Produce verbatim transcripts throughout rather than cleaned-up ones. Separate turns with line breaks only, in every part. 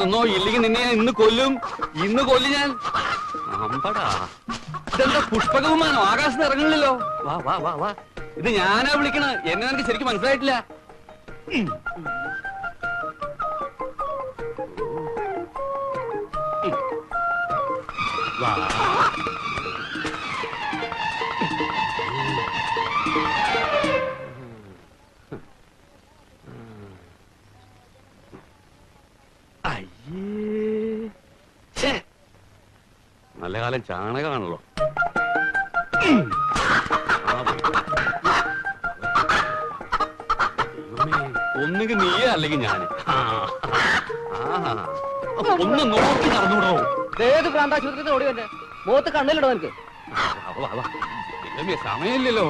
നിന്നോ, ഇല്ലെങ്കിൽ നിന്നെ ഞാൻ ഇന്ന് കൊല്ലും. ഇന്ന് കൊല്ലും ഞാൻ. അമ്പടാ, ഇതെന്താ പുഷ്പക വിമാനോ? ആകാശത്ത് ഇറങ്ങണില്ലല്ലോ. വാ വാ വാ വാ, ഇത് ഞാനാ വിളിക്കണ. എന്നെ എനിക്ക് ശരിക്കും മനസ്സിലായിട്ടില്ല. വാ. നല്ല കാലം ചാണകമാണല്ലോ. ഒന്നുകിൽ നീയേ അല്ലെങ്കിൽ ഞാന്. ഒന്ന് നോക്കി നടന്നൂടോ.
ഏത് പ്രാന്താശുപത്രി ഓടി വന്നെ മുഖത്ത് കണ്ണിലിടോ എനിക്ക്.
സമയമില്ലല്ലോ.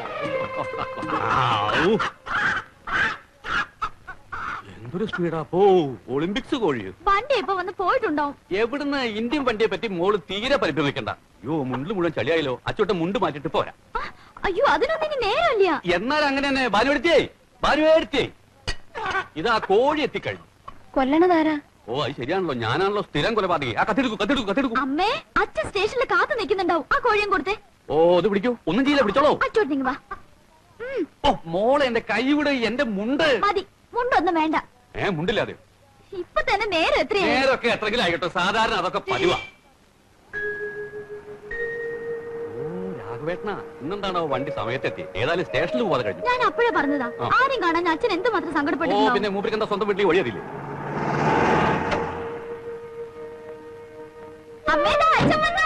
എന്തൊരു സ്പീഡാ പോ. ഒളിമ്പിക്സ് കോഴിയോ?
വണ്ടി ഇപ്പൊ വന്ന് പോയിട്ടുണ്ടാവും.
എവിടുന്ന്? ഇന്ത്യൻ വണ്ടിയെ പറ്റി മോള് തീരെ പരിഭ്രമിക്കണ്ട. അയ്യോ, മുണ്ടിൽ മുഴുവൻ ചളിയായല്ലോ. അച്ചോട്ടെ മുണ്ട് മാറ്റിട്ട് പോരാ.
അയ്യോ, അതിനൊന്നും ഇനി നേരമില്ല.
എന്നാൽ അങ്ങനെ തന്നെ. ഭാനുവെടുത്തേ, ഭാനുവെടുത്തേ, ഇതാ കോഴി എത്തിക്കഴിഞ്ഞു.
കൊല്ലണതാരാ?
ഓ, അത് ശരിയാണല്ലോ. ഞാനാണല്ലോ സ്ഥിരം കൊലപാതകി. ആ കത്തിയെടുക്കൂ, കത്തിയെടുക്കൂ, കത്തിയെടുക്കൂ.
അമ്മേ, അച്ഛൻ സ്റ്റേഷനിൽ കാത്തു നിൽക്കുന്നുണ്ടാവും. ആ കോഴിയും കൊടുത്തേ.
ഓ, ഇത് പിടിക്കൂ. ഒന്നും ചെയ്യില്ല, പിടിച്ചോളൂ.
അച്ചോട്ടിങ് വാ.
ഓ മോളെ, എന്റെ കൈ വിട്. എന്റെ മുണ്ട്
മതി. മുണ്ടൊന്നും വേണ്ട.
ഏ മുണ്ടില്ലാതെ
ഇപ്പൊ തന്നെ നേരം എത്രയാ?
നേരൊക്കെ എത്രങ്കിലും ആയിക്കോട്ടെ. സാധാരണ അതൊക്കെ പതിവാ. ഓ രാഘവേട്ടനാ, ഇന്നെന്താണോ വണ്ടി സമയത്തെത്തി? ഏതായാലും സ്റ്റേഷനിൽ പോകാതെ കഴിഞ്ഞു.
ഞാൻ അപ്പോഴേ പറഞ്ഞതാ, ആരും കാണാൻ അച്ഛൻ എന്തുമാത്രം സങ്കടപ്പെട്ടു.
ഓ പിന്നെ മൂപ്പർക്ക് എന്താ സ്വന്തം വീട്ടിൽ വഴിയതില്ലേ?
അമ്മേതാ അച്ഛൻ വന്നു.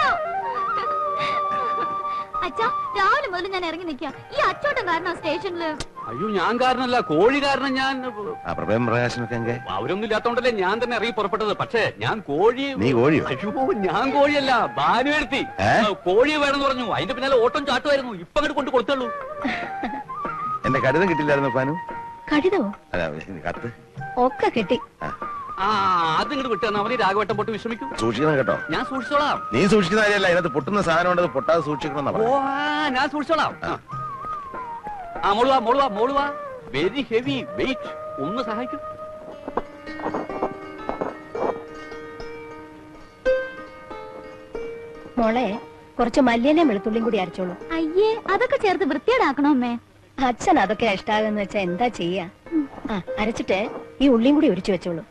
അച്ഛാ, രാവിലെ മുതൽ ഞാൻ ഇറങ്ങി നിൽക്കാം. ഈ അച്ചോട്ടം കാരണം സ്റ്റേഷനില്.
അയ്യോ, ഞാൻ കാരണല്ല, കോഴി കാരണം. ഞാൻ അവരൊന്നും ഇല്ലാത്തോണ്ടല്ലേ ഞാൻ തന്നെ ഇറങ്ങി പുറപ്പെട്ടത്. പക്ഷേ ഞാൻ കോഴി. അയ്യോ, ഞാൻ കോഴിയല്ല, ഭാനുവെടുത്തി. കോഴി വേണമെന്ന് പറഞ്ഞു. അതിന്റെ പിന്നാലെ ഓട്ടം ചാട്ടുമായിരുന്നു. ഇപ്പൊ അങ്ങോട്ട് കൊണ്ട് കൊടുത്തുള്ളൂ.
എന്റെ കടിതം കിട്ടില്ലായിരുന്നു ഭാനു?
കടിതോ?
കത്ത്
ഒക്കെ കിട്ടി.
ആ അത് ഇങ്ങോട്ട് വിട്ടു. അവന് രാഘവട്ടം പൊട്ട് വിശ്രമിക്കും.
സൂക്ഷിക്കണം കേട്ടോ.
ഞാൻ സൂക്ഷിച്ചോളാം.
നീ സൂക്ഷിക്കുന്ന കാര്യമല്ല, ഇതിനകത്ത് പൊട്ടുന്ന സാധനം ഉണ്ടത് പൊട്ടാതെ സൂക്ഷിക്കണം.
ഓ ഞാൻ സൂക്ഷിച്ചോളാം. ആ മോളുവാ, മോളുവാ, മോളുവാ. Very heavy weight. ഒന്ന് സഹായിക്കും.
മോളെ, കുറച്ച് മല്ലിയലയും വെളുത്തുള്ളിയും കൂടി അരച്ചോളൂ. അയ്യേ, അതൊക്കെ ചേർത്ത് വൃത്തിയേടാക്കണോ അമ്മേ? അച്ഛൻ അതൊക്കെ ഇഷ്ടാകുന്ന വെച്ചാ എന്താ ചെയ്യാ? ആ അരച്ചിട്ട് ഈ ഉള്ളിയും കൂടി ഒരിച്ചു വെച്ചോളൂ.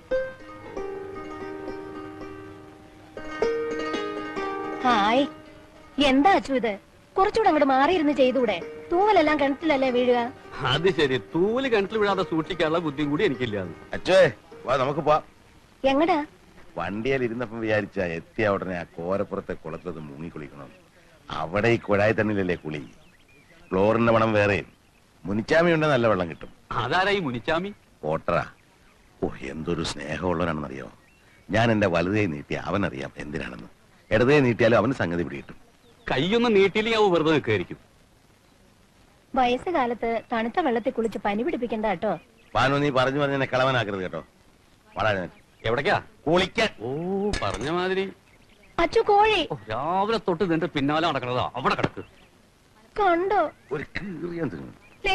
ഹായ്, എന്താ അച്ചു ഇത്? കുറച്ചുകൂടെ അങ്ങോട്ട് മാറിയിരുന്ന് ചെയ്തൂടെ? തൂവലെല്ലാം കിണറ്റിലല്ലേ വീഴുക?
അത് ശരി, തൂവല് കിണറ്റിൽ വീഴാതെ സൂക്ഷിക്കാനുള്ള ബുദ്ധിയും കൂടി എനിക്കില്ല.
അച്ഛേ വാ, നമുക്ക് പോവാം.
എങ്ങടാ?
വണ്ടിയിൽ ഇരുന്നപ്പം വിചാരിച്ച എത്തിയ ഉടനെ ആ കോരപ്പുറത്തെ കുളത്തിലത് മുങ്ങി കുളിക്കണം. അവിടെ ഈ കുഴായി തണ്ണിലല്ലേ കുളി. ക്ലോറിന്റെ മണം വേറെ. മുനിച്ചാമി ഉണ്ടെ നല്ല വെള്ളം കിട്ടും.
അതാരായി മുനിച്ചാമി?
ഓട്ടറാ. ഓ എന്തൊരു സ്നേഹമുള്ളവനാണെന്നറിയോ. ഞാൻ എന്റെ വലുതേ നീട്ടി അവനറിയാം എന്തിനാണെന്ന്. ഇടതേ നീട്ടിയാലും അവന് സംഗതി പിടികിട്ടും.
കൈയൊന്നും നീട്ടിയില്ലെങ്കിൽ അവ വെറുതെ നിൽക്കായിരിക്കും.
വയസ്സുകാലത്ത് തണുത്ത വെള്ളത്തിൽ കുളിച്ച് പനി പിടിപ്പിക്കണ്ട കേട്ടോ.
പാനു, നീ പറഞ്ഞു പറഞ്ഞ എന്നെ കളവനാക്കരുത് കേട്ടോ. വളരെ
എവിടേക്കാ?
കുളിക്കാൻ.
ഓ പറഞ്ഞ മാതിരി.
അച്ചു കോഴി
രാവിലെ തൊട്ട് നിന്റെ പിന്നാലെ നടക്കണതാ. അവിടെ കിടക്ക്.
കണ്ടോ?
ഒരു കീറിയാൻ തിന്നു.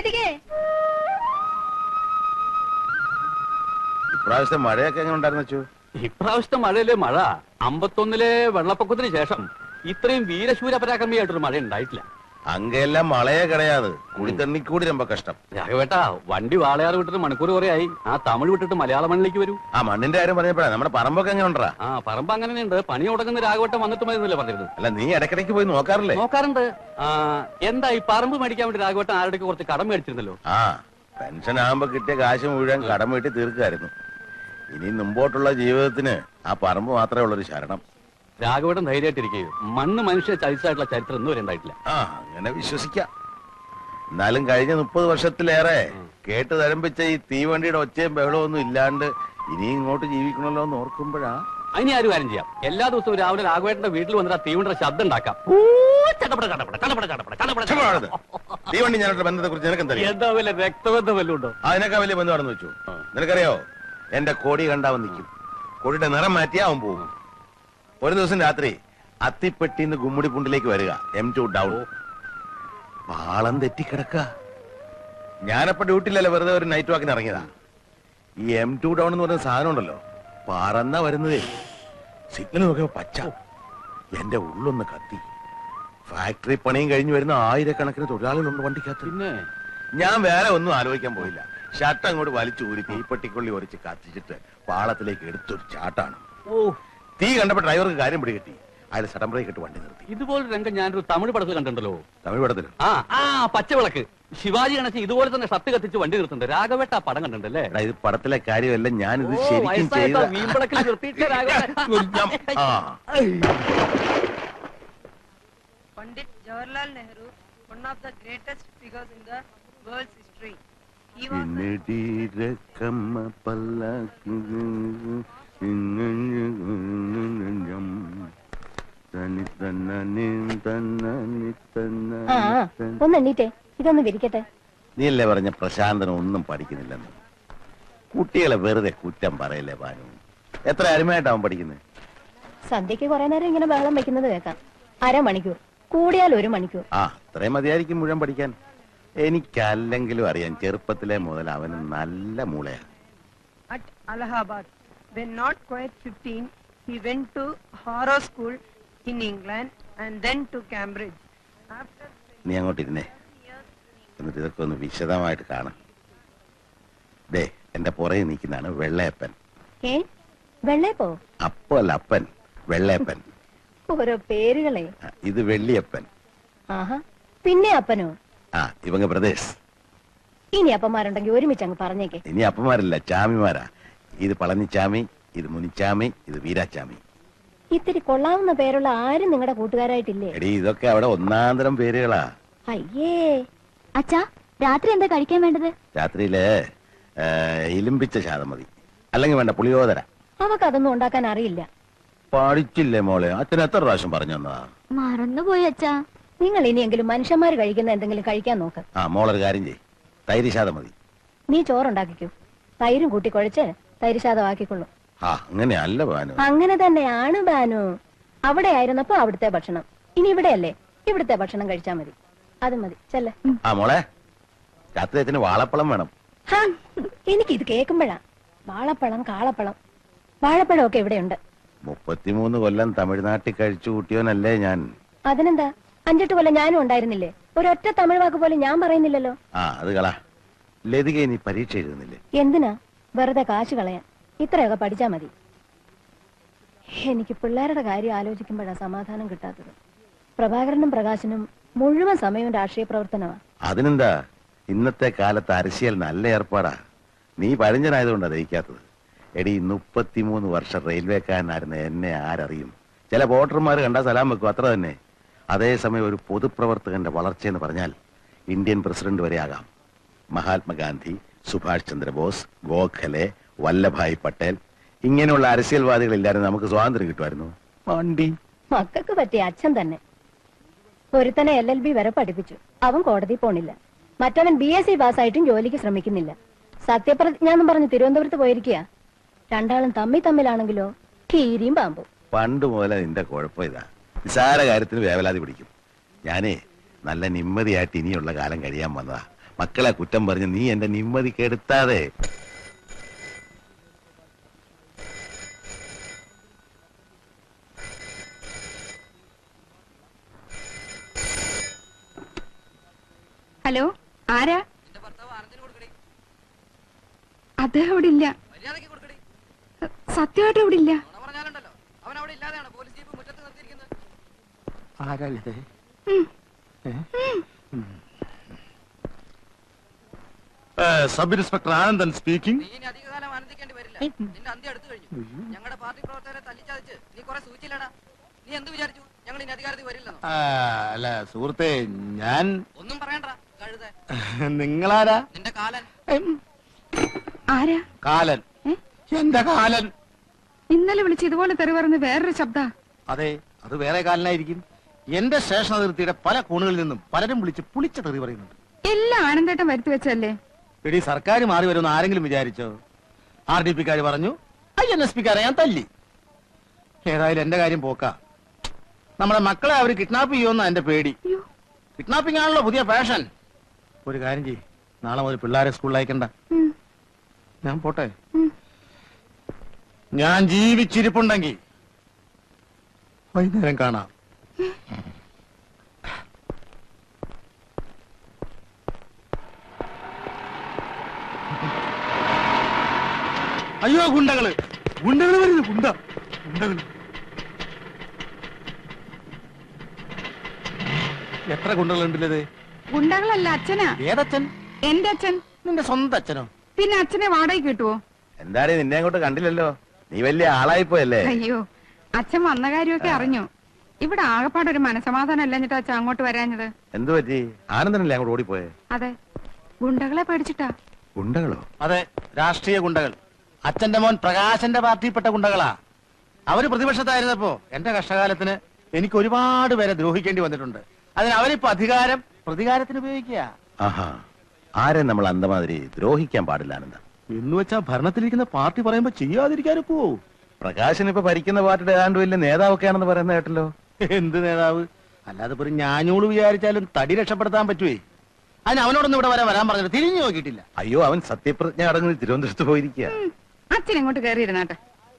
ഇപ്രാവശ്യത്തെ മഴയൊക്കെ എങ്ങനെ ഉണ്ടായിരുന്നു വെച്ചു?
ഇപ്രാവശ്യത്തെ മഴയിലെ മഴ അമ്പത്തൊന്നിലെ വെള്ളപ്പൊക്കത്തിന് ശേഷം ഇത്രയും വീരശൂര പരാക്രമിയായിട്ടൊരു മഴ ഉണ്ടായിട്ടില്ല.
അങ്ങെല്ലാം മഴയെ കിടയാത്. കുടിത്തണ്ണി കൂടി ரொம்ப കഷ്ടം.
രാഘവേട്ടാ, വണ്ടി വാളയാറ് വിട്ടിട്ട് മണിക്കൂർ കുറെ ആയി. ആ തമിഴ് വിട്ടിട്ട് മലയാള മണ്ണിലേക്ക് വരൂ.
ആ മണ്ണിന്റെ കാര്യം പറഞ്ഞപ്പോഴാ നമ്മുടെ പറമ്പൊക്കെ എങ്ങനെ ഉണ്ടാ?
ആ പറമ്പ് അങ്ങനെയുണ്ട്. പണി തുടങ്ങുന്ന രാഘവട്ടം വന്നിട്ട് മതിന്നല്ലേ പറഞ്ഞിരുന്നത്?
അല്ല, നീ ഇടയ്ക്കിടയ്ക്ക് പോയി നോക്കാറില്ലേ?
നോക്കാറുണ്ട്. ആ എന്താ ഈ പറമ്പ് മേടിക്കാൻ വേണ്ടി രാഘവട്ടം ആരുടെ കുറച്ച് കടം മേടിച്ചിരുന്നല്ലോ?
ആ പെൻഷൻ ആകുമ്പോ കിട്ടിയ കാശ് മുഴുവൻ കടം വീട്ടി തീർക്കായിരുന്നു. ഇനി മുമ്പോട്ടുള്ള ജീവിതത്തിന് ആ പറമ്പ് മാത്രമേ ഉള്ളൊരു ശരണം.
രാഘവട്ടം ധൈര്യമായിട്ടിരിക്കുകയും മണ്ണ് മനുഷ്യ ചരിച്ചായിട്ടുള്ള ചരിത്രം ഒന്നും വരെ ഉണ്ടായിട്ടില്ല.
ആ അങ്ങനെ വിശ്വസിക്കാം. എന്നാലും കഴിഞ്ഞ മുപ്പത് വർഷത്തിലേറെ കേട്ട് തരംപിച്ച ഈ തീവണ്ടിയുടെ ഒച്ചയും ബഹളവും ഒന്നും ഇല്ലാണ്ട് ഇനി ഇങ്ങോട്ട് ജീവിക്കണല്ലോ എന്ന് ഓർക്കുമ്പോഴാ.
അതിന് ആരും കാര്യം ചെയ്യാം. എല്ലാ ദിവസവും രാവിലെ രാഘവേട്ടന്റെ വീട്ടിൽ വന്നിട്ട് ആ തീവണ്ടിയുടെ ശബ്ദം ഉണ്ടാക്കാം.
തീവണ്ടി ഞാനോട്ട് ബന്ധത്തെ കുറിച്ച് നിനക്ക്
എന്താ വലിയ രക്തബന്ധം വല്ലതും ഉണ്ടോ?
അതിനൊക്കെ വലിയ ബന്ധമാണെന്ന് വെച്ചു. നിനക്കറിയോ, എന്റെ കോടി കണ്ടാവൻ നിൽക്കും. കോടിയുടെ നിറം മാറ്റിയാ അവൻ പോകും. ഒരു ദിവസം രാത്രി അത്തിപ്പെട്ടിന്ന് ഗുമ്മുടിപ്പുണ്ടിലേക്ക് വരിക. M two down. പാളം തെറ്റിക്കിടക്ക. ഞാനപ്പോ ഡ്യൂട്ടിയിലല്ലേ, വെറുതെ ഒരു നൈറ്റ് വാക്കിന് ഇറങ്ങിയതാ. ഈ എം ടു ഡൗൺ എന്ന് പറയുന്ന സാധനം ഉണ്ടല്ലോ, പറന്ന വരുന്നതേ. സിഗ്നൽ നോക്കിയപ്പോ പച്ച. എന്റെ ഉള്ളൊന്ന് കത്തി. ഫാക്ടറി പണിയും കഴിഞ്ഞു വരുന്ന ആയിരക്കണക്കിന് തൊഴിലാളികളുണ്ട് വണ്ടിക്കകത്ത്.
പിന്നെ
ഞാൻ വേറെ ഒന്നും ആലോചിക്കാൻ പോയില്ല. ഷർട്ട് അങ്ങോട്ട് വലിച്ചു ഊരി തീപ്പെട്ടിക്കൊള്ളി ഒരച്ച് കത്തിച്ചിട്ട് പാളത്തിലേക്ക് എടുത്തൊരു ചാട്ടാണ്.
ഓ,
തീ കണ്ടപ്പോ ഡ്രൈവർക്ക് കാര്യം പിടികിട്ടി. അയാൾ സഡൻ ബ്രേക്ക് ഇട്ട് വണ്ടി നിർത്തി.
ഇതുപോലെ രംഗം ഞാനൊരു തമിഴ് പടത്തിൽ കണ്ടിട്ടുണ്ടല്ലോ.
തമിഴ് പടത്തിൽ
ആ ആ പച്ചവിളക്ക് ശിവാജി ഗണേശൻ ഇതുപോലെ തന്നെ ഷർട്ട് കത്തിച്ച് വണ്ടി നിർത്തുന്നുണ്ട്. രാഘവേട്ട ആ പടം കണ്ടിട്ടുണ്ടല്ലേ?
എടാ, ഇത് പടത്തിലെ കാര്യമല്ല, ഞാനിത്
ഓ,
ശരിക്കും
വയസ്സായിട്ടോ,
ചെയ്ത
വീമ്പളക്കിൽ നിർത്തിയിട്ട് രാഘവേട്ട.
ആ.
Pandit Jawaharlal Nehru, one of the greatest figures in the world's history. He was the
ഇന്നടിരക്കമ്മ പല്ലക്ക് തനി തന്നനി തന്നനി തന്നനി
ആ ആ, ഒന്ന് എണ്ണീറ്റേ, ഇതൊന്ന് വിരിക്കട്ടെ.
നീയല്ലേ പറഞ്ഞ പ്രശാന്തനം ഒന്നും പഠിക്കുന്നില്ലെന്ന്. കുട്ടികളെ വെറുതെ കുറ്റം പറയല്ലേ ഭാനു. എത്ര അരുമയായിട്ടാവും പഠിക്കുന്നത്?
സന്ധ്യക്ക് കുറെ നേരം ഇങ്ങനെ ബഹളം വെക്കുന്നത് കേൾക്കാം. അരമണിക്കൂർ, കൂടിയാൽ ഒരു മണിക്കൂർ.
ആ, അത്രയും മതിയായിരിക്കും മുഴുവൻ പഠിക്കാൻ. എനിക്കല്ലെങ്കിലും അറിയാം, ചെറുപ്പത്തിലെ മുതൽ അവന് നല്ല മൂളയാണ്.
at Allahabad. When not quite fifteen, he went to Harrow School in England and then to Cambridge. After
നീ അങ്ങോട്ടിരുന്നേ, എന്നിട്ട് ഇതൊക്കെ ഒന്ന് വിശദമായിട്ട് കാണാം. ദേ, എന്റെ പുറകെ നിൽക്കുന്നതാണ് വെള്ളയപ്പൻ.
ഏ വെള്ളേപ്പോ?
അപ്പോ അല്ല, അപ്പൻ, വെള്ളയപ്പൻ.
ഓരോ പേരുകളെ.
ആ, ഇത് വെള്ളിയപ്പൻ.
ആഹാ, പിന്നെ അപ്പനോ?
ആ, ഇവங்க പ്രദേശ്.
ഇനി അപ്പന്മാരുണ്ടെങ്കിൽ ഒരുമിച്ച് അങ്ങ് പറഞ്ഞേക്കെ.
ഇനി അപ്പന്മാരല്ല, ചാമിമാരാ. ഇത് പളനിച്ചാമി, ഇത് മുനിച്ചാമി, ഇത് വീരാച്ചാമി.
ഇത്തിരി കൊള്ളാവുന്ന പേരുള്ള ആരും നിങ്ങളുടെ കൂട്ടുകാരായിട്ടില്ലേ?
എടീ, ഇതൊക്കെ അവിടെ ഒന്നാന്തരം പേരുകളാ.
അയ്യേ. അച്ഛാ, രാത്രി എന്താ കഴിക്കാൻ വേണ്ടത്?
രാത്രിയില് ഇലിമ്പിച്ച ശാതം മതി, അല്ലെങ്കിൽ വേണ്ട പുളിയോദര.
അവക്ക് അതൊന്നും ഉണ്ടാക്കാൻ അറിയില്ല.
പഠിച്ചില്ലേ മോളെ? അച്ഛൻ എത്ര പ്രാവശ്യം പറഞ്ഞു തന്നതാ?
മറന്നുപോയി അച്ഛാ. നിങ്ങൾ ഇനിയെങ്കിലും മനുഷ്യന്മാര് കഴിക്കുന്ന എന്തെങ്കിലും കഴിക്കാൻ നോക്ക്.
ആ, മോളൊരു കാര്യം ചെയ്, തൈര് ശാതം മതി.
നീ ചോറുണ്ടാക്കിക്കൂ, തൈരും കൂട്ടി കുഴച്ച് തൈര് ശാതം ആക്കിക്കൊള്ളു.
ആ, അങ്ങനെയല്ല ഭാനു.
അങ്ങനെ തന്നെയാണ് ബാനു. അവിടെ ആയിരുന്നപ്പോ അവിടുത്തെ ഭക്ഷണം, ഇനി ഇവിടെയല്ലേ, ഇവിടുത്തെ ഭക്ഷണം കഴിച്ചാ മതി. അത് മതി, ചെല്ലേ.
ആ മോളെ, രാത്രി അച്ഛന് വാഴപ്പളം വേണം.
എനിക്കിത് കേൾക്കുമ്പോഴാ വാഴപ്പഴം, കാളപ്പഴം, വാഴപ്പഴം ഒക്കെ ഇവിടെയുണ്ട്.
മുപ്പത്തിമൂന്ന് കൊല്ലം തമിഴ്നാട്ടിൽ കഴിച്ചു കൂട്ടിയോനല്ലേ ഞാൻ.
അതിനെന്താ, അഞ്ചെട്ട് കൊല്ലം ഞാനും ഉണ്ടായിരുന്നില്ലേ? ഒരൊറ്റ തമിഴ് വാക്ക് പോലും ഞാൻ പറയുന്നില്ലല്ലോ.
ആ, അത് കള. ലതിക ഇനി പരീക്ഷ എഴുതുന്നില്ലേ?
എന്തിനാ വെറുതെ കാശ് കളയാൻ? ഇത്രയൊക്കെ പഠിച്ചാ മതി. എനിക്ക് പിള്ളേരുടെ കാര്യം ആലോചിക്കുമ്പോഴാ സമാധാനം കിട്ടാത്തത്. പ്രഭാകരനും പ്രകാശനും മുഴുവൻ സമയവും രാഷ്ട്രീയ പ്രവർത്തനമാ.
അതിനെന്താ, ഇന്നത്തെ കാലത്ത് അരശിയൽ നല്ല ഏർപ്പാടാ. നീ പഴഞ്ചനായതുകൊണ്ടാ ദഹിക്കാത്തത്. എടി, മുപ്പത്തിമൂന്ന് വർഷം റെയിൽവേക്കാരനായിരുന്ന എന്നെ ആരറിയും? ചില വോട്ടർമാർ കണ്ടാ സലാം വെക്കും, അത്ര തന്നെ. അതേസമയം ഒരു പൊതുപ്രവർത്തകന്റെ വളർച്ചയെന്ന് പറഞ്ഞാൽ ഇന്ത്യൻ പ്രസിഡന്റ് വരെ ആകാം. മഹാത്മാഗാന്ധി, സുഭാഷ് ചന്ദ്രബോസ്, ഗോഖലെ, വല്ലഭായ് പട്ടേൽ, ഇങ്ങനെയുള്ള അരസ്യൽവാദികളില്ലായിരുന്നു നമുക്ക് സ്വാതന്ത്ര്യം കിട്ടുമായിരുന്നു. വണ്ടി
മക്കൾക്ക് പറ്റിയ അച്ഛൻ തന്നെ. ഒരുത്തനെ എൽ എൽ ബി വരെ പഠിപ്പിച്ചു, അവൻ കോടതി പോണില്ല. മറ്റവൻ ബി എസ് സി പാസ്സായിട്ടും ജോലിക്ക് ശ്രമിക്കുന്നില്ല. സത്യപ്രതിജ്ഞ എന്നും പറഞ്ഞ് തിരുവനന്തപുരത്ത് പോയിരിക്കുക. രണ്ടാളും തമ്മി തമ്മിലാണെങ്കിലോ കീരിയും പാമ്പും.
പണ്ട് മുതലേ നിന്റെ കുഴപ്പം ഇതാ, നിസാര കാര്യത്തിന് വേവലാതി പിടിക്കും. ഞാനേ നല്ല നിമ്മതിയായിട്ട് ഇനിയുള്ള കാലം കഴിയാൻ വന്നതാ. മക്കളെ കുറ്റം പറഞ്ഞ് നീ എന്റെ നിമ്മതി കെടുത്താതെ.
ഹലോ, ആരാ? അദ്ദേഹം ഇവിടെ ഇല്ല. സത്യമായിട്ട് ഇവിടെ ഇല്ല.
Sub inspector Anandan speaking.
അധികകാലം ആനന്ദിക്കേണ്ടി വരില്ല. നിന്റെ അന്ത്യം അടുത്തു കഴിഞ്ഞു. ഞങ്ങളുടെ പാർട്ടി പ്രവർത്തകരെ തല്ലിച്ചതച്ച് നീ കുറെ സൂചിച്ചില്ലടാ. നീ എന്ത് വിചാരിച്ചു ഞങ്ങൾ ഇനി അധികാരത്തിൽ വരില്ലെന്നോ?
അല്ല സുഹൃത്തെ, ഞാൻ
ഒന്നും പറയണ്ട കഴുത.
നിങ്ങളാരാ?
നിന്റെ കാലൻ.
ആരാ?
കാലൻ. എന്റെ കാലൻ.
ഇന്നലെ വിളിച്ച് ഇതുപോലെ തെറി പറഞ്ഞ് വേറൊരു ശബ്ദ.
അതെ, അത് വേറെ കാലനായിരിക്കും. എന്റെ സ്റ്റേഷൻ അതിർത്തിയുടെ പല കോണുകളിൽ നിന്നും പലരും വിളിച്ച് പുളിച്ച തെറി പറയുന്നുണ്ട്.
എല്ലാം ആനന്ദേട്ടം വരുത്തി വെച്ചല്ലേ?
എടി, സർക്കാർ മാറി വരുമെന്ന് ആരെങ്കിലും വിചാരിച്ചോ? ആർ ഡി പിക്കാര് പറഞ്ഞു, ഐ എൻ എസ് പിക്കാരെ ഞാൻ തല്ലി. ഏതായാലും എന്റെ കാര്യം പോക്കാ. നമ്മളെ മക്കളെ അവര് കിഡ്നാപ്പ് ചെയ്യുമെന്നാ എന്റെ പേടി. കിഡ്നാപ്പിംഗ് ആണല്ലോ പുതിയ ഫാഷൻ. ഒരു കാര്യം ചെയ്യ്, നാളെ മുതൽ പിള്ളേരെ സ്കൂളിൽ അയക്കണ്ട. ഞാൻ പോട്ടെ. ഞാൻ ജീവിച്ചിരിപ്പുണ്ടെങ്കിൽ വൈകുന്നേരം കാണാം. അയ്യോ ഗുണ്ടകള് ഗുണ്ടകള് വരുന്നു ഗുണ്ട ഗുണ്ടകള് എത്ര ഗുണ്ടകളുണ്ടല്ലേ?
ഗുണ്ടകളല്ല, അച്ഛനാ.
ഏതച്ഛൻ?
എന്റെ അച്ഛൻ.
നിന്റെ സ്വന്തം അച്ഛനോ?
പിന്നെ അച്ഛനെ വാടകയ്ക്ക് കിട്ടുവോ?
എന്തായാലും നിന്നെ അങ്ങോട്ട് കണ്ടില്ലല്ലോ, നീ വലിയ ആളായിപ്പോയല്ലേ.
അയ്യോ, അച്ഛൻ വന്ന കാര്യമൊക്കെ അറിഞ്ഞു. ഇവിടെ ആകപ്പാടൊരു മനസമാധാനം അല്ലഞ്ഞിട്ടാ അച്ഛൻ അങ്ങോട്ട് വരാഞ്ഞത്.
എന്തു പറ്റി? ആനന്ദനല്ലേ അങ്ങോട്ട് ഓടിപ്പോയെ?
അതെ, ഗുണ്ടകളെ പേടിച്ചിട്ടാ.
ഗുണ്ടകളോ?
അതെ, രാഷ്ട്രീയ ഗുണ്ടകൾ. അച്ഛന്റെ മോൻ പ്രകാശന്റെ പാർട്ടിയിൽപ്പെട്ട ഗുണ്ടകളാ. അവര് പ്രതിപക്ഷത്തായിരുന്നപ്പോ എന്റെ കഷ്ടകാലത്തിന് എനിക്ക് ഒരുപാട് പേരെ ദ്രോഹിക്കേണ്ടി വന്നിട്ടുണ്ട്. അതിന് അവരിപ്പോ അധികാരം പ്രതികാരത്തിന് ഉപയോഗിക്കുക.
ആഹാ, ആരെ നമ്മൾ അന്തമാതിരി ദ്രോഹിക്കാൻ പാടില്ല ആനന്ദ.
എന്ന് വെച്ചാ ഭരണത്തിലിരിക്കുന്ന പാർട്ടി പറയുമ്പോ ചെയ്യാതിരിക്കാനും പോവോ?
പ്രകാശൻ ഇപ്പൊ ഭരിക്കുന്ന പാർട്ടിയുടെ ഏതാണ്ട് വലിയ നേതാവൊക്കെ ആണെന്ന് പറയുന്ന കേട്ടല്ലോ.
എന്ത് നേതാവ്? അല്ലാതെ ഒരു ഞാഞ്ഞൂള് വിചാരിച്ചാലും തടി രക്ഷപ്പെടുത്താൻ പറ്റുവേ. അതിന് അവനോടൊന്നും ഇവിടെ വരാൻ വരാൻ പറഞ്ഞിട്ട് തിരിഞ്ഞു നോക്കിയിട്ടില്ല.
അയ്യോ, അവൻ സത്യപ്രതിജ്ഞ അടങ്ങി തിരുവനന്തപുരത്ത് പോയിരിക്കുക.
അച്ഛൻ ഇങ്ങോട്ട് കയറിയിരുന്നാട്ടെ.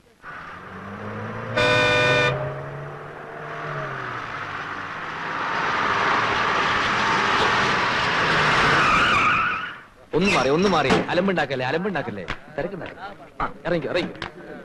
ഒന്ന് മാറി ഒന്ന് മാറി അലമ്പുണ്ടാക്കല്ലേ അലമ്പുണ്ടാക്കല്ലേ തിരക്കുണ്ടാക്കല്ലേ. ആ ഇറങ്ങിക്കോ ഇറങ്ങിക്കോ.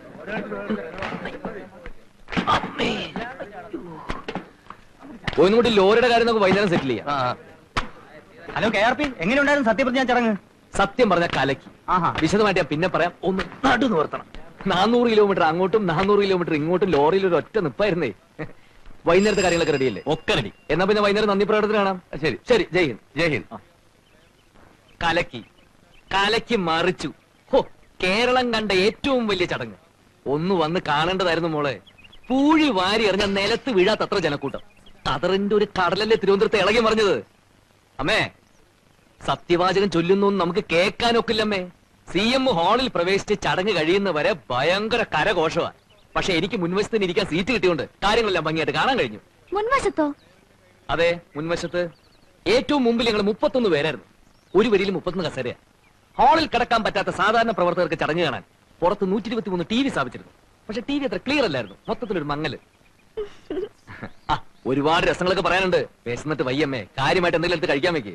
ഒന്നുകൂടി ലോറിയുടെ കാര്യം നമുക്ക് വൈകുന്നേരം സെറ്റിൽ ചെയ്യാം.
ഹലോ കെ ആർ പി, എങ്ങനെയുണ്ടായിരുന്നു സത്യപ്രതിജ്ഞ ചടങ്ങ്?
സത്യം പറഞ്ഞ കലക്കി. വിശദമായിട്ട് ഞാൻ പിന്നെ പറയാം. ഒന്ന് നടു നിവർത്തണം. നാനൂറ് കിലോമീറ്റർ അങ്ങോട്ടും നാനൂറ് കിലോമീറ്റർ ഇങ്ങോട്ടും ലോറിയിൽ ഒരു ഒറ്റ നിപ്പായിരുന്നേ. വൈകുന്നേരത്തെ കാര്യങ്ങളൊക്കെ റെഡിയല്ലേ? ഒക്കെ റെഡി. എന്നാ പിന്നെ വൈകുന്നേരം നന്ദി പ്രകടനത്തിന് കാണാം. ശരി ശരി. ജയ് ഹിന്ദ്. ജയ് ഹിന്ദ്. കലക്കി കലക്കി മറിച്ചു. ഹോ, കേരളം കണ്ട ഏറ്റവും വലിയ ചടങ്ങ്. ഒന്ന് വന്ന് കാണേണ്ടതായിരുന്നു മോളെ. പൂഴി വാരി എറിഞ്ഞ നിലത്ത് വീഴാത്തത്ര ജനക്കൂട്ടം. കതറിന്റെ ഒരു കടലല്ലേ തിരുവനന്തപുരത്ത് ഇളകി മറിഞ്ഞത്. അമ്മേ, സത്യവാചകം ചൊല്ലുന്നു നമുക്ക് കേൾക്കാനൊക്കില്ലമ്മേ. സി എം ഹാളിൽ പ്രവേശിച്ച് ചടങ്ങ് കഴിയുന്നവരെ ഭയങ്കര കരഘോഷമാണ്. പക്ഷെ എനിക്ക് മുൻവശത്തിന് ഇരിക്കാൻ സീറ്റ് കിട്ടിയോണ്ട് കാര്യങ്ങളെല്ലാം ഭംഗിയായിട്ട് കാണാൻ കഴിഞ്ഞു.
മുൻവശത്തോ?
അതെ, മുൻവശത്ത്. ഏറ്റവും മുമ്പിൽ ഞങ്ങൾ മുപ്പത്തൊന്ന് പേരായിരുന്നു. ഒരു വരിയിൽ മുപ്പത്തൊന്ന് കസേരയാ. ഹാളിൽ കിടക്കാൻ പറ്റാത്ത സാധാരണ പ്രവർത്തകർക്ക് ചടങ്ങ് കാണാൻ പുറത്ത് നൂറ്റി ഇരുപത്തി മൂന്ന് ടി വി സ്ഥാപിച്ചിരുന്നു. പക്ഷെ ടി വി അത്ര ക്ലിയർ അല്ലായിരുന്നു. മൊത്തത്തിലൊരു മങ്ങല്. ആ, ഒരുപാട് രസങ്ങളൊക്കെ പറയാനുണ്ട്. വിശന്നിട്ട് വയ്യമ്മേ, കാര്യമായിട്ട് എന്തെങ്കിലും എടുത്ത് കഴിക്കാൻ വെക്കേ.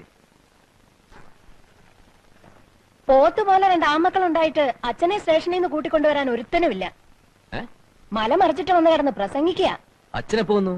പോത്ത് പോലെ രണ്ട് ആമക്കൾ ഉണ്ടായിട്ട് അച്ഛനെ സ്റ്റേഷനിൽ നിന്ന് കൂട്ടിക്കൊണ്ടുവരാൻ ഒരുത്തനുമില്ല. മല മറിച്ചിട്ട് വന്ന് കിടന്ന് പ്രസംഗിക്കുക.
അച്ഛനെപ്പോ വന്നു?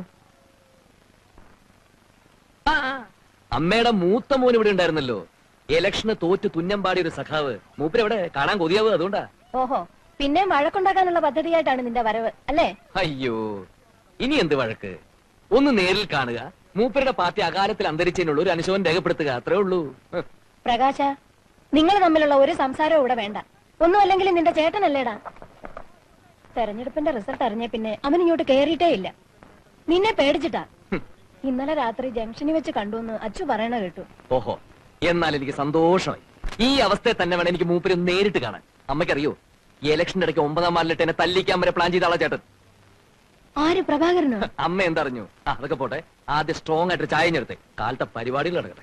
അമ്മയുടെ മൂത്ത മോൻ ഇവിടെ ഉണ്ടായിരുന്നല്ലോ. ഇലക്ഷന് തോറ്റ് തുന്നമ്പാടിയ ഒരു സഖാവ്. മൂപ്പരെവിടെ? കാണാൻ കൊതിയാവ്. അതുകൊണ്ടാ.
ഓഹോ, പിന്നെ വഴക്കുണ്ടാക്കാനുള്ള പദ്ധതിയായിട്ടാണ് നിന്റെ വരവ് അല്ലേ?
അയ്യോ, ഇനി എന്ത് വഴക്ക്? ഒന്ന് നേരിൽ കാണുക, മൂപ്പരുടെ പാർട്ടി അകാലത്തിൽ അന്തരിച്ചതിനുള്ള ഒരു അനുശോചനം രേഖപ്പെടുത്തുക, അത്രേ ഉള്ളൂ.
പ്രകാശ, നിങ്ങൾ തമ്മിലുള്ള ഒരു സംസാരവും ഇവിടെ വേണ്ട. ഒന്നും അല്ലെങ്കിൽ നിന്റെ ചേട്ടനല്ലേടാ. തെരഞ്ഞെടുപ്പിന്റെ റിസൾട്ട് അറിഞ്ഞ പിന്നെ അവൻ ഇങ്ങോട്ട് കേറിയിട്ടേ ഇല്ല. നിന്നെ പേടിച്ചിട്ടാ. ഇന്നലെ രാത്രി ജംഗ്ഷനിൽ വെച്ച് കണ്ടുവന്ന് അച്ചു പറയണ കേട്ടു.
ഓഹോ, എന്നാൽ എനിക്ക് സന്തോഷമായി. ഈ അവസ്ഥയെ തന്നെ വേണം എനിക്ക് മൂപ്പര് നേരിട്ട് കാണാൻ. അമ്മയ്ക്കറിയോ, ഈ ഇലക്ഷന്റെ ഇടയ്ക്ക് ഒമ്പതാം വാർഡിലിട്ട് എന്നെ തല്ലിക്കാൻ വരെ പ്ലാൻ ചെയ്ത ആളാ ചേട്ടൻ.
ആര്? പ്രഭാകരനോ?
അമ്മ എന്തറിഞ്ഞു? ആ, അതൊക്കെ പോട്ടെ. ആദ്യം സ്ട്രോങ് ആയിട്ട് ചായ ഞെടുത്തേ. കാലത്തെ പരിപാടികൾ നടക്കട്ടെ.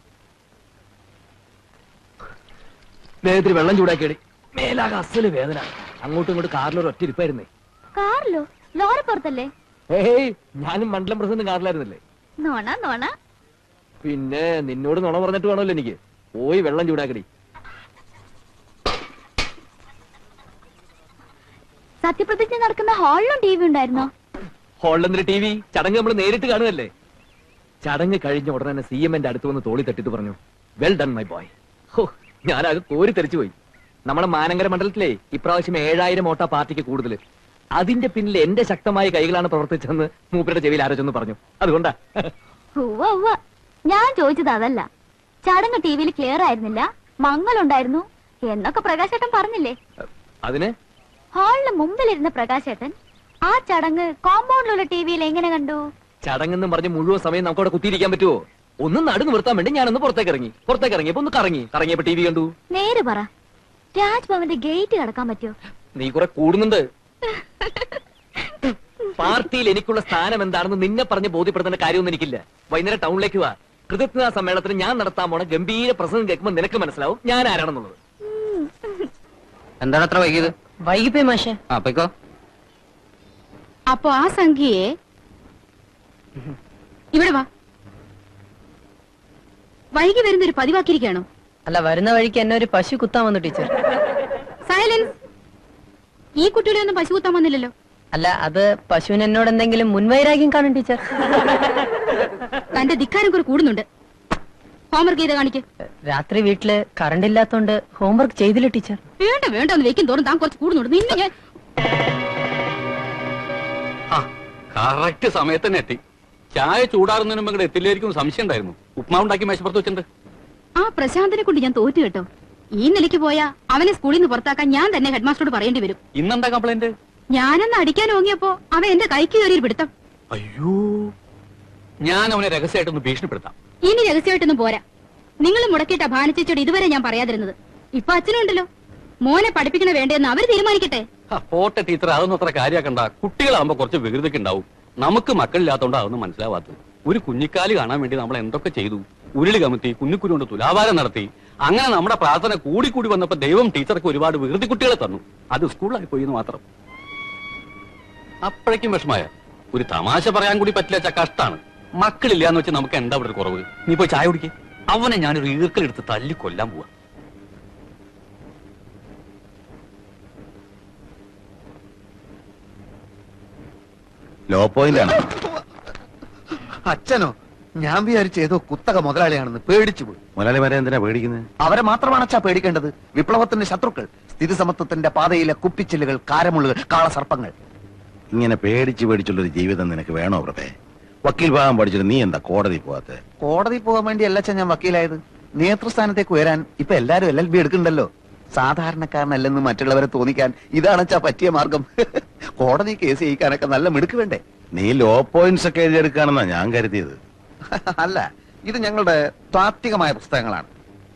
ദേഹത്തിൽ വെള്ളം ചൂടാക്കിയടി. മേലാകെ അസല് വേദന. അങ്ങോട്ടും ഇങ്ങോട്ടും കാറിലൊരു ഒറ്റ ഇരിപ്പായിരുന്നേ.
കാറിലോ? ലോറി പുറത്തല്ലേ?
ഏയ്, ഞാനും മണ്ഡലം പ്രസിഡന്റ് കാറിലായിരുന്നല്ലേ.
നോണ നോണ.
പിന്നെ നിന്നോട് നുണ പറഞ്ഞിട്ട് വേണമല്ലോ എനിക്ക്. പോയി വെള്ളം ചൂടാക്കടി.
സത്യപ്രതിജ്ഞ നടക്കുന്ന ഹാളിലും ടി വി ഉണ്ടായിരുന്നോ?
ഹാളിലെന്തൊരു ടി വി? ചടങ്ങ് നമ്മൾ നേരിട്ട് കാണുകയല്ലേ. ചടങ്ങ് കഴിഞ്ഞ ഉടനെ സി എം എന്റെ അടുത്ത് വന്ന് തോളി തട്ടിട്ട് പറഞ്ഞു, വെൽ ഡൺ മൈ ബോയ്. ഹോ, ഞാനത് കോരി തെറിച്ചു പോയി. നമ്മുടെ മാനങ്കര മണ്ഡലത്തിലെ ഇപ്രാവശ്യം ഏഴായിരം വോട്ടാ പാർട്ടിക്ക് കൂടുതൽ. അതിന്റെ പിന്നിൽ എന്റെ ശക്തമായ കൈകളാണ് പ്രവർത്തിച്ചെന്ന് മൂപ്പരുടെ ചെവിയിൽ ആരോചൊന്ന് പറഞ്ഞു. അതുകൊണ്ടാ.
ഞാൻ ചോദിച്ചത് അതല്ല. ചടങ്ങ് ടി വിയിൽ ക്ലിയർ ആയിരുന്നില്ല, മങ്ങലുണ്ടായിരുന്നു എന്നൊക്കെ പ്രകാശേട്ടൻ പറഞ്ഞില്ലേ?
അതിന്
ഹാളിന് മുമ്പിലിരുന്ന പ്രകാശേട്ടൻ ആ ചടങ്ങ് കോമ്പൗണ്ടിലുള്ള ടി വിയിൽ എങ്ങനെ കണ്ടു?
ചടങ്ങെന്നും പറഞ്ഞ് മുഴുവൻ സമയം നമുക്ക് അവിടെ കുത്തിയിരിക്കാൻ പറ്റുമോ? ഒന്ന് നടു നിർത്താൻ വേണ്ടി ഞാനൊന്ന് പുറത്തേക്ക് ഇറങ്ങി. പുറത്തേക്ക് ഇറങ്ങിയപ്പോ ഒന്ന് കറങ്ങി. കറങ്ങിയപ്പോ ടി വി കണ്ടു.
നേര് പറ, രാജ്ഭവന്റെ ഗേറ്റ് കടക്കാൻ പറ്റുമോ?
നീ കുറെ കൂടുന്നുണ്ട്. പാർട്ടിയിൽ എനിക്കുള്ള സ്ഥാനം എന്താണെന്ന് നിന്നെ പറഞ്ഞ് ബോധ്യപ്പെടുത്തേണ്ട കാര്യമൊന്നും എനിക്കില്ല. വൈകുന്നേരം ടൗണിലേക്ക് വാ. കൃതജ്ഞതാ സമ്മേളനത്തിന് ഞാൻ നടത്താൻ പോണ ഗംഭീര പ്രസംഗം കേൾക്കുമ്പോൾ നിനക്ക് മനസ്സിലാവും ഞാൻ ആരാണെന്നുള്ളത്.
എന്താണ് അത്ര വൈകിയത്? വൈകിപ്പോയി മാഷെ.
ആ പൊയ്ക്കോ.
അപ്പൊ ആ സംഖ്യയെ ഇവിടെ വാ. വൈകി വരുന്നൊരു പതിവാക്കിയിരിക്കുകയാണോ?
അല്ല, വരുന്ന വഴിക്ക് എന്നെ ഒരു പശു കുത്താൻ വന്നു ടീച്ചർ.
സൈലൻസ്. ഈ കുട്ടികളെ ഒന്നും പശു കുത്താൻ വന്നില്ലല്ലോ.
അല്ല, അത് പശുവിന് എന്നോട് എന്തെങ്കിലും മുൻവൈരാഗ്യം കാണും ടീച്ചർ.
തന്റെ ധിക്കാരം കുറെ കൂടുന്നുണ്ട്. ഹോംവർക്ക് ചെയ്ത് കാണിക്ക്.
രാത്രി വീട്ടില് കറണ്ട് ഇല്ലാത്തോണ്ട് ഹോംവർക്ക് ചെയ്തില്ല ടീച്ചർ.
വേണ്ട വേണ്ട ഒന്ന് വെക്കും തോറും താൻ കുറച്ച് കൂടുന്നുണ്ട്. നിന്നെ ഞാൻ
കറക്റ്റ് സമയത്ത് തന്നെ എത്തി. ചായ ചൂടാറുന്നതിന് മുമ്പ് ഇങ്ങോട്ട് എത്തില്ലായിരിക്കും സംശയം ഉണ്ടായിരുന്നു. ഉപ്മാവ് ഉണ്ടാക്കി മേശപ്പുറത്ത് വെച്ചിട്ടുണ്ട്.
ആ പ്രശാന്തിനെ കൊണ്ട് ഞാൻ തോറ്റു കേട്ടോ. ഈ നിലയ്ക്ക് പോയാ അവനെ സ്കൂളിൽ നിന്ന് പുറത്താക്കാൻ ഞാൻ തന്നെ ഹെഡ് മാസ്റ്ററോട് പറയേണ്ടി വരും.
ഇന്നെന്താ കംപ്ലൈന്റ്?
ഞാനൊന്ന് അടിക്കാൻ ഓങ്ങിയപ്പോ അവൻ എന്റെ കൈക്ക് കയറിയൊരു പിടുത്തം.
അയ്യോ, ഞാൻ അവനെ രഹസ്യമായിട്ടൊന്ന് ഭീഷണിപ്പെടുത്താം.
ഇനി രഹസ്യമായിട്ടൊന്നും പോരാ. നിങ്ങൾ മുടക്കിയിട്ട ഭാനച്ചേച്ചോട് ഇതുവരെ ഞാൻ പറയാതിരുന്നത്. ഇപ്പൊ അച്ഛനും ഉണ്ടല്ലോ. മോനെ പഠിപ്പിക്കണ വേണ്ടെന്ന് അവര് തീരുമാനിക്കട്ടെ.
പോട്ടെ ടീച്ചർ, അതൊന്നും അത്ര കാര്യാക്കണ്ട. കുട്ടികളാകുമ്പോ കുറച്ച് വികൃതിക്ക് ഉണ്ടാവും. നമുക്ക് മക്കളില്ലാത്തോണ്ട് അതൊന്നും മനസ്സിലാവാത്തത്. ഒരു കുഞ്ഞിക്കാലി കാണാൻ വേണ്ടി നമ്മൾ എന്തൊക്കെ ചെയ്തു. ഉരുളി കമത്തി, കുഞ്ഞിക്കുരു കൊണ്ട് തുലാഭാരം നടത്തി. അങ്ങനെ നമ്മുടെ പ്രാർത്ഥന കൂടി കൂടി വന്നപ്പോ ദൈവം ടീച്ചർക്ക് ഒരുപാട് വികൃതി കുട്ടികളെ തന്നു. അത് സ്കൂളിലായി പോയി എന്ന് മാത്രം. അപ്പോഴേക്കും വിഷമായ. ഒരു തമാശ പറയാൻ കൂടി പറ്റില്ല. കഷ്ടാണ്. മക്കളില്ലാന്ന് വെച്ച് നമുക്ക് എന്താ ഇവിടെ ഒരു കുറവ്? നീ പോയി ചായ കുടിക്കേ. അവനെ ഞാനൊരു ഈർക്കലെടുത്ത് തല്ലി കൊല്ലാൻ പോവാ.
ലോ പോയിന്റ് ആണ്.
അച്ഛനോ? ഞാൻ വിചാരിച്ച ഏതോ കുത്തക മുതലാളിയാണെന്ന് പേടിച്ചു പോയി.
മുതലാളിമാരെ എന്തിനാ പേടിക്കുന്നത്?
അവരെ മാത്രമാണ് അച്ഛാ പേടിക്കേണ്ടത്. വിപ്ലവത്തിന്റെ ശത്രുക്കൾ, സ്ഥിതി സമത്വത്തിന്റെ പാതയിലെ കുപ്പിച്ചില്ലുകൾ, കാരമുള്ളുകൾ, കാളസർപ്പങ്ങൾ.
ഇങ്ങനെ പേടിച്ച് പേടിച്ചുള്ളൊരു ജീവിതം നിനക്ക് വേണോ പ്രഭേ? വക്കീൽ ഭാഗം പഠിച്ചിട്ട് നീ എന്താ കോടതി പോവാത്തെ?
കോടതി പോകാൻ വേണ്ടി അല്ല അച്ഛൻ ഞാൻ വക്കീലായത്. നേതൃസ്ഥാനത്തേക്ക് ഉയരാൻ ഇപ്പൊ എല്ലാരും എൽ എൽ ബി എടുക്കണ്ടല്ലോ. സാധാരണക്കാരനല്ലെന്ന് മറ്റുള്ളവരെ തോന്നിക്കാൻ ഇതാണ് അച്ഛാ പറ്റിയ മാർഗം. കോടതി കേസ് ചെയ്യിക്കാനൊക്കെ നല്ല മിടുക്ക് വേണ്ടേ?
നീ ലോ പോയിന്റ്സ് ഒക്കെ എഴുതിയെടുക്കാണെന്നാ ഞാൻ കരുതിയത്.
അല്ല, ഇത് ഞങ്ങളുടെ താത്വികമായ പുസ്തകങ്ങളാണ്.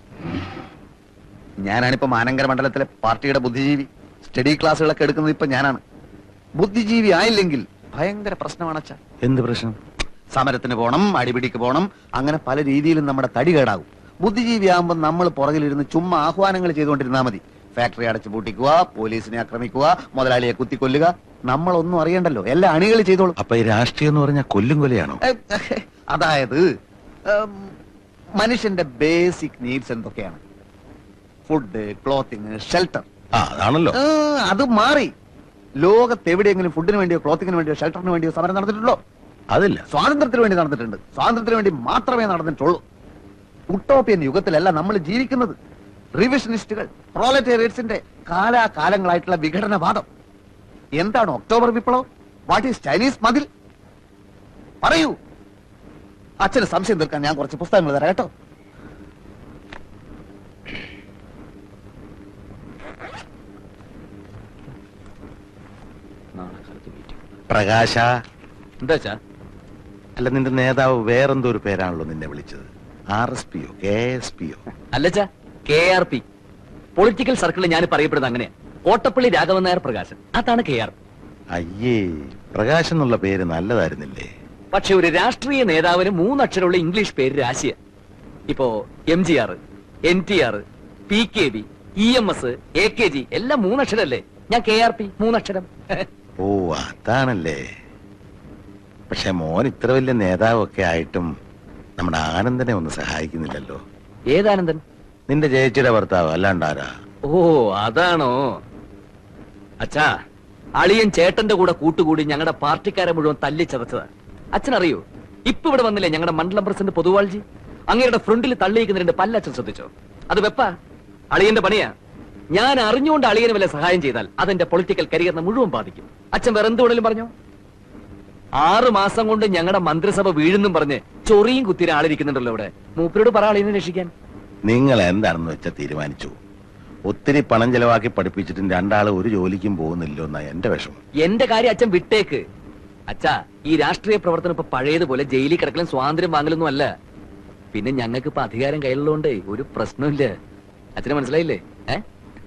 ഞാനാണിപ്പോ മാനങ്കര മണ്ഡലത്തിലെ പാർട്ടിയുടെ ബുദ്ധിജീവി. സ്റ്റഡി ക്ലാസ്സുകളൊക്കെ എടുക്കുന്നത് ഇപ്പൊ ഞാനാണ്. ബുദ്ധിജീവി ആയില്ലെങ്കിൽ ഭയങ്കര പ്രശ്നമാണ് അച്ഛാ.
എന്ത് പ്രശ്നം?
സമരത്തിന് പോണം, അടിപിടിക്ക് പോണം, അങ്ങനെ പല രീതിയിലും നമ്മുടെ തടി കേടാകും. ബുദ്ധിജീവി ആകുമ്പോൾ നമ്മൾ പുറകിലിരുന്ന് ചുമ്മാ ആഹ്വാനങ്ങൾ ചെയ്തുകൊണ്ടിരുന്നാൽ മതി. ഫാക്ടറി അടച്ചു പൂട്ടിക്കുക, പോലീസിനെ ആക്രമിക്കുക, മുതലാളിയെ കുത്തിക്കൊല്ലുക. നമ്മളൊന്നും അറിയണ്ടല്ലോ, എല്ലാ അണികൾ ചെയ്തോളും.
അപ്പൊ ഈ രാഷ്ട്രീയം എന്ന് പറഞ്ഞാൽ കൊല്ലും കൊലയാണോ?
അതായത് മനുഷ്യന്റെ ബേസിക് നീഡ്സ് എന്തൊക്കെയാണ്? Food, clothing, shelter.
ആ അതാണല്ലോ.
അത് മാറി. ലോകത്ത് എവിടെയെങ്കിലും ഫുഡിന് വേണ്ടിയോ ക്ലോത്തിങ്ങിന് വേണ്ടിയോ ഷെൽട്ടറിന് വേണ്ടിയോ സമരം നടന്നിട്ടുണ്ടോ?
അതില്ല.
സ്വാതന്ത്ര്യത്തിന് വേണ്ടി നടന്നിട്ടുണ്ട്. സ്വാതന്ത്ര്യത്തിന് വേണ്ടി മാത്രമേ നടന്നിട്ടുള്ളൂ. ഉട്ടോപ്യൻ യുഗത്തിലല്ല നമ്മൾ ജീവിക്കുന്നത്. റിവിഷനിസ്റ്റുകൾ, പ്രോലറ്റേറിയറ്റ്സിന്റെ കാലാകാലങ്ങളായിട്ടുള്ള വിഘടനവാദം. എന്താണ് ഒക്ടോബർ വിപ്ലവം? വാട്ട് ഈസ് ചൈനീസ് മതിൽ? പറയൂ. അച്ഛന് സംശയം തീർക്കാൻ ഞാൻ കുറച്ച് പുസ്തകങ്ങൾ തരാം കേട്ടോ.
പ്രകാശ.
എന്താ?
അല്ല, നിന്റെ നേതാവ് വേറെന്തോ ഒരു പേരാണല്ലോ നിന്നെ വിളിച്ചത്. ആർ എസ് പിയോ കെ എസ് പിയോ?
അല്ലച്ചാ, കെ ആർ പി. പൊളിറ്റിക്കൽ സർക്കിളിൽ ഞാൻ പറയപ്പെടുന്നത് അങ്ങനെയാ. കോട്ടപ്പള്ളി രാഘവൻ നായർ പ്രകാശൻ, അതാണ് കെ ആർ പി.
അയ്യേ, പ്രകാശ് എന്നുള്ള പേര് നല്ലതായിരുന്നില്ലേ?
പക്ഷെ ഒരു രാഷ്ട്രീയ നേതാവിന് മൂന്നക്ഷരമുള്ള ഇംഗ്ലീഷ് പേര് രാശിയ. ഇപ്പോ M G R, N T R, P K B, E M S, A K G എല്ലാം മൂന്നക്ഷരല്ലേ. ഞാൻ കെ ആർ പി, മൂന്നക്ഷരം.
ഓ അതാണല്ലേ. പക്ഷെ മോൻ ഇത്ര വലിയ നേതാവൊക്കെ ആയിട്ടും നമ്മുടെ ആനന്ദനെ ഒന്ന് സഹായിക്കുന്നില്ലല്ലോ.
ഏതാനന്ദൻ?
നിന്റെ ചേച്ചിയുടെ ഭർത്താവ്, അല്ലാണ്ടാരാ?
ഓ അതാണോ? അച്ഛാ, അളിയൻ ചേട്ടന്റെ കൂടെ കൂട്ടുകൂടി ഞങ്ങളുടെ പാർട്ടിക്കാരെ മുഴുവൻ തല്ലിച്ചതച്ചതാ. അച്ഛനറിയോ, ഇപ്പൊ ഇവിടെ വന്നില്ലേ ഞങ്ങളുടെ മണ്ഡലം പ്രസിഡന്റ് പൊതുവാൾജി? അങ്ങയുടെ ഫ്രണ്ടിൽ തള്ളിയിരിക്കുന്ന രണ്ട് പല്ലച്ഛൻ ശ്രദ്ധിച്ചോ? അത് വെപ്പ അളിയന്റെ പണിയാ. ഞാൻ അറിഞ്ഞുകൊണ്ട് അളിയന് വല്ല സഹായം ചെയ്താൽ അതെന്റെ പൊളിറ്റിക്കൽ കരിയറിനെ മുഴുവൻ ബാധിക്കും. അച്ഛൻ വേറെ എന്ത് വേണേലും പറഞ്ഞോ. ആറു മാസം കൊണ്ട് ഞങ്ങളുടെ മന്ത്രിസഭ വീഴുന്നും പറഞ്ഞ് ചൊറിയും കുത്തിര ആളിരിക്കുന്നുണ്ടല്ലോ ഇവിടെ. മൂപ്പരോട് പറ അളിയനെ രക്ഷിക്കാൻ.
നിങ്ങൾ എന്താണെന്ന് വെച്ചാൽ തീരുമാനിച്ചു. ഒത്തിരി പണം ചെലവാക്കി പഠിപ്പിച്ചിട്ടും രണ്ടാള് ഒരു ജോലിക്കും പോകുന്നില്ലോ എന്നാ എന്റെ വിഷമം.
എന്റെ കാര്യം അച്ഛൻ വിട്ടേക്ക്. അച്ഛാ, ഈ രാഷ്ട്രീയ പ്രവർത്തനം ഇപ്പൊ പഴയതുപോലെ ജയിലിൽ കിടക്കലും സ്വാതന്ത്ര്യം വാങ്ങലൊന്നും അല്ല. പിന്നെ ഞങ്ങൾക്ക് ഇപ്പൊ അധികാരം കയ്യിലുള്ളതുകൊണ്ട് ഒരു പ്രശ്നമില്ല. അച്ഛനെ മനസ്സിലായില്ലേ? ഏ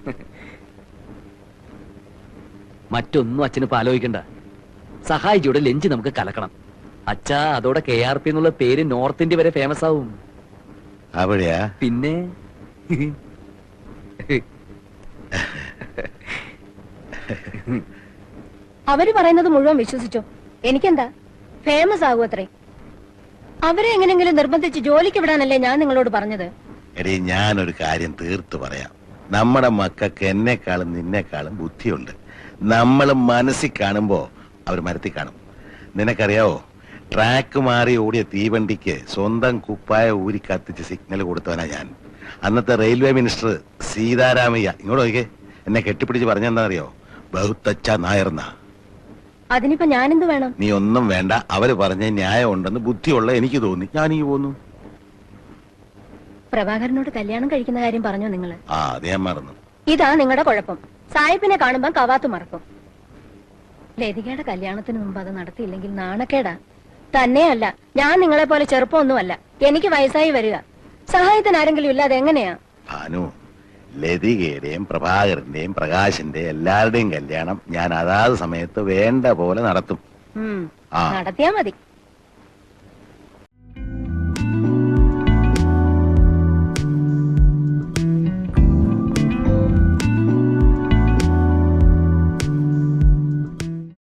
മറ്റൊന്നും അച്ഛന് ഇപ്പൊ ആലോചിക്കണ്ട. സഹായിച്ചോടെ ലഞ്ച് നമുക്ക് കലക്കണം. അച്ഛാ, അതോടെ കെ ആർ പി എന്നുള്ള പേര് നോർത്ത് ഇന്ത്യ വരെ ഫേമസ് ആവും.
അവിടെയാ?
പിന്നെ
അവര് പറയുന്നത് മുഴുവൻ വിശ്വസിച്ചോ? എനിക്കെന്താ, ഫേമസ് ആകും അത്രേ. അവരെ എങ്ങനെങ്കിലും നിർബന്ധിച്ച് ജോലിക്ക് വിടാനല്ലേ ഞാൻ നിങ്ങളോട് പറഞ്ഞത്.
എടീ, ഞാനൊരു കാര്യം തീർത്തു പറയാം. നമ്മുടെ മക്കൾക്ക് എന്നെക്കാളും നിന്നെക്കാളും ബുദ്ധിയുണ്ട്. നമ്മൾ മനസ്സിൽ കാണുമ്പോ അവർ മരത്തിൽ കാണും. നിനക്കറിയാവോ, ട്രാക്ക് മാറി ഓടിയ തീവണ്ടിക്ക് സ്വന്തം കുപ്പായ ഊരി കത്തിച്ച് സിഗ്നൽ കൊടുത്തവനാ ഞാൻ. അന്നത്തെ റെയിൽവേ മിനിസ്റ്റർ സീതാരാമയ്യ ഇങ്ങോട്ട് നോക്കിയേ, എന്നെ കെട്ടിപ്പിടിച്ച് പറഞ്ഞെന്താ അറിയോ? ബഹുത്തച്ച നായർന്ന.
അതിനിപ്പോ ഞാനെന്ത് വേണം?
നീ ഒന്നും വേണ്ട. അവര് പറഞ്ഞ ന്യായം ഉണ്ടെന്ന് ബുദ്ധിയുള്ള എനിക്ക് തോന്നി, ഞാൻ ഈ പോന്നു.
പ്രഭാകരനോട് കല്യാണം കഴിക്കുന്ന കാര്യം പറഞ്ഞോ നിങ്ങള്?
ആ, അത് ഞാൻ മറന്നു.
ഇതാ നിങ്ങളുടെ കുഴപ്പം. സായിപ്പിനെ കാണുമ്പോ കവാത്ത് മറക്കും. ലതികയുടെ കല്യാണത്തിന് മുമ്പ് അത് നടത്തിയില്ലെങ്കിൽ നാണക്കേടാ. തന്നെയല്ല, ഞാൻ നിങ്ങളെ പോലെ ചെറുപ്പമൊന്നുമല്ല. എനിക്ക് വയസ്സായി വരിക. സഹായത്തിന് ആരെങ്കിലും ഇല്ലാതെ എങ്ങനെയാ?
ഭാനു, ലതികയുടെയും പ്രഭാകരന്റെയും പ്രകാശിന്റെ എല്ലാവരുടെയും കല്യാണം ഞാൻ അതാത് സമയത്ത് വേണ്ട പോലെ നടത്തും.
ഉം,
ആ.
നടത്തിയാ മതി.